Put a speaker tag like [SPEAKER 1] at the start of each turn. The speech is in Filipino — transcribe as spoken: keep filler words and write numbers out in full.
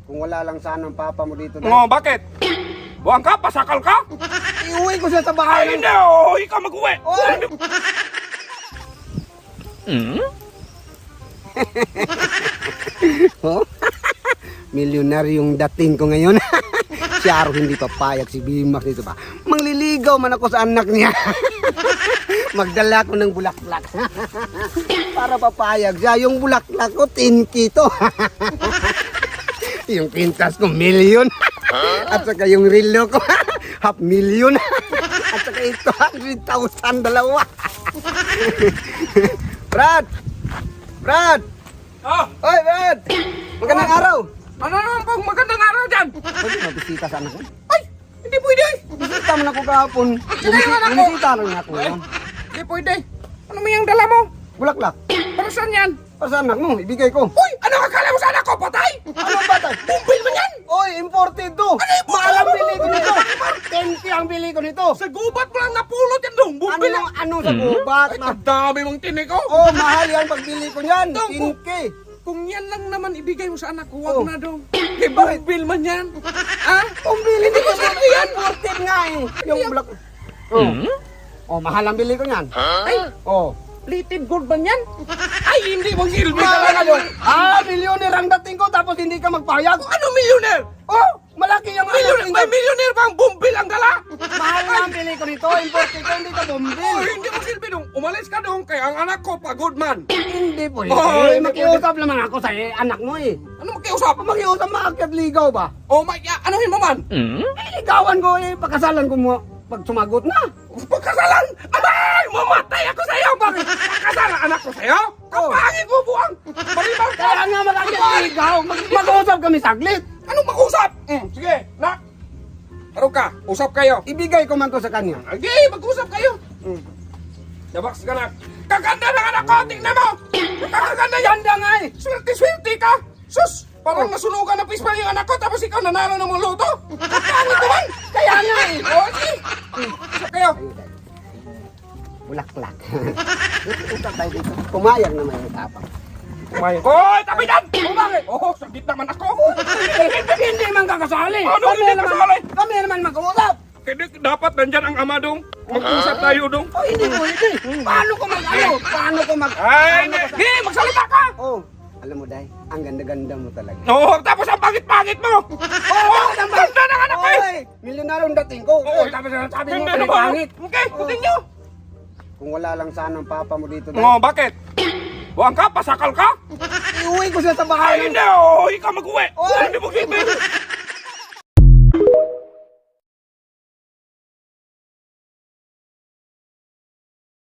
[SPEAKER 1] Kung wala lang sana ang papa mo dito, Day.
[SPEAKER 2] Oh, bakit? Buwang ka? Pasakal ka?
[SPEAKER 1] Iuwi ko siya sa
[SPEAKER 2] Ay,
[SPEAKER 1] bahay.
[SPEAKER 2] hindi. Oh, ikaw mag-uwi.
[SPEAKER 1] Oy! Oh? Milyonaryong dating ko ngayon. Si Aro hindi papayag, si Bimax dito pa. Mangliligaw man ako sa anak niya. Magdala ko ng bulaklak. Para papayag siya. Yung bulaklak ko, ten kito. Yung pintas ko, million. At saka yung relo ko, half million. At saka ito, one hundred thousand dalawa. Brad! Brad!
[SPEAKER 2] Oh,
[SPEAKER 1] Oy, Brad! Magandang araw!
[SPEAKER 2] ano naman pong magandang araw dyan?
[SPEAKER 1] Pwede mabisita sana ko?
[SPEAKER 2] Ay, hindi pwede.
[SPEAKER 1] Bisita mo na ako kahapon.
[SPEAKER 2] Kailangan ako.
[SPEAKER 1] Bumisita lang na ako.
[SPEAKER 2] Ay,
[SPEAKER 1] ngayon.
[SPEAKER 2] hindi pwede. Ano mo yung dala mo?
[SPEAKER 1] Bulaklak.
[SPEAKER 2] Para saan yan?
[SPEAKER 1] Para sa anak mo, ibigay ko.
[SPEAKER 2] Uy, ano akala mo sa anak ko? Patay?
[SPEAKER 1] Ano ba tayo?
[SPEAKER 2] Bumbil mo yan?
[SPEAKER 1] Oy, imported to! Mahal ang bili ko nito! ten K ang bili ko nito!
[SPEAKER 2] Sa gubat mo lang napulot yan dong. Bumbil
[SPEAKER 1] Ano,
[SPEAKER 2] lang.
[SPEAKER 1] ano sa gubat?
[SPEAKER 2] Ay,
[SPEAKER 1] Ma
[SPEAKER 2] kadami mong tinik ko.
[SPEAKER 1] oh, mahal yan pagbili ko niyan.
[SPEAKER 2] Dong,
[SPEAKER 1] ten K.
[SPEAKER 2] Kung yan lang naman ibigay mo sa anak ko, wag
[SPEAKER 1] Oh.
[SPEAKER 2] na dong. Kay bumbil man yan. Ha?
[SPEAKER 1] Pambili
[SPEAKER 2] Hindi
[SPEAKER 1] ko
[SPEAKER 2] ko sinabi yan.
[SPEAKER 1] Imported nga eh. Yung bulak... Oh. Oh, mahal ang bili ko niyan.
[SPEAKER 2] Ay,
[SPEAKER 1] Oh.
[SPEAKER 2] plated gold ba yan? Ay, hindi mong ilbi
[SPEAKER 1] Mahal
[SPEAKER 2] talaga
[SPEAKER 1] yun.
[SPEAKER 2] yun.
[SPEAKER 1] Ah, milyoner ang dating ko tapos hindi ka magpayag.
[SPEAKER 2] Ano millionaire?
[SPEAKER 1] Oh, malaki yung
[SPEAKER 2] Millionaire?
[SPEAKER 1] dating
[SPEAKER 2] May
[SPEAKER 1] ko.
[SPEAKER 2] millionaire bang bumbil ang dala?
[SPEAKER 1] Mahal nga ang bili ko nito. Imported ko, hindi ka bumbil.
[SPEAKER 2] Oh, hindi mo silbi dong. Umalis ka dong kay ang anak ko, pagod man.
[SPEAKER 1] Hindi po.
[SPEAKER 2] Oh,
[SPEAKER 1] eh,
[SPEAKER 2] hindi
[SPEAKER 1] makiusap naman ako sa eh, anak mo eh.
[SPEAKER 2] Ano makiusap?
[SPEAKER 1] Makiusap maakyat ligaw ba?
[SPEAKER 2] Oh my, ya, anuhin mo man?
[SPEAKER 1] Eh, ligawan ko eh. Pagkasalan ko mo pag sumagot na.
[SPEAKER 2] Pagkasalan? Abay! Mamatay ako sa'yo! Bakit? Pagkasalan anak ko sa'yo? Kapangin mo buwang! Malibang ka!
[SPEAKER 1] Kaya nga magakyat ligaw. Mag- mag-usap kami saglit.
[SPEAKER 2] Anong mag-usap? Mm, sige, nak! Ano ka? Usap kayo.
[SPEAKER 1] Ibigay ko man to sa kanya.
[SPEAKER 2] Sige, mag-usap kayo. Mm. Dabaks ka na. Kaganda ng anak ko! Tingnan mo! Kaganda yan!
[SPEAKER 1] Ganda nga eh.
[SPEAKER 2] Swerte-swerte ka! Sus! Parang nasunugan na pispa yung anak ko tapos ikaw nanalo ng mga loto! Kapangin ko man!
[SPEAKER 1] Kaya nga eh.
[SPEAKER 2] O, sige! Usap kayo.
[SPEAKER 1] Bulaklak. Usap tayo dito. Pumayag naman yung tapang.
[SPEAKER 2] Kumain. Hoy! Tabi dyan! O, bakit? Oh, saglit naman ako.
[SPEAKER 1] Hindi man kakasali.
[SPEAKER 2] Ano,
[SPEAKER 1] Kami
[SPEAKER 2] hindi
[SPEAKER 1] naman-
[SPEAKER 2] kasali?
[SPEAKER 1] Kami naman mag-uusap.
[SPEAKER 2] Kaya dapat nandyan ang ama dong. Mag-usap tayo dong.
[SPEAKER 1] Oh, hindi po, hindi. Paano ko mag-ano? Paano ko mag...
[SPEAKER 2] Ay,
[SPEAKER 1] paano ko sa-
[SPEAKER 2] hindi! Magsalita ka!
[SPEAKER 1] Oh, alam mo, Day, ang ganda-ganda mo talaga.
[SPEAKER 2] Oo, tapos ang pangit-pangit mo! Oo, ang ganda ng anak ko eh!
[SPEAKER 1] Oy, milyonaryong dating ko.
[SPEAKER 2] Oo,
[SPEAKER 1] Oh, tapos sabi mo,
[SPEAKER 2] Hindi
[SPEAKER 1] pala
[SPEAKER 2] naman.
[SPEAKER 1] pangit.
[SPEAKER 2] Okay, continue!
[SPEAKER 1] Kung wala lang sana ang papa mo dito, Day,
[SPEAKER 2] Oo, bakit? Buwang ka? Pasakal ka?
[SPEAKER 1] iuwi ko siya sa
[SPEAKER 2] Ay,
[SPEAKER 1] bahay.
[SPEAKER 2] hindi! Oo, ikaw mag-uwi!
[SPEAKER 1] Oy!
[SPEAKER 2] Hindi mo silbi!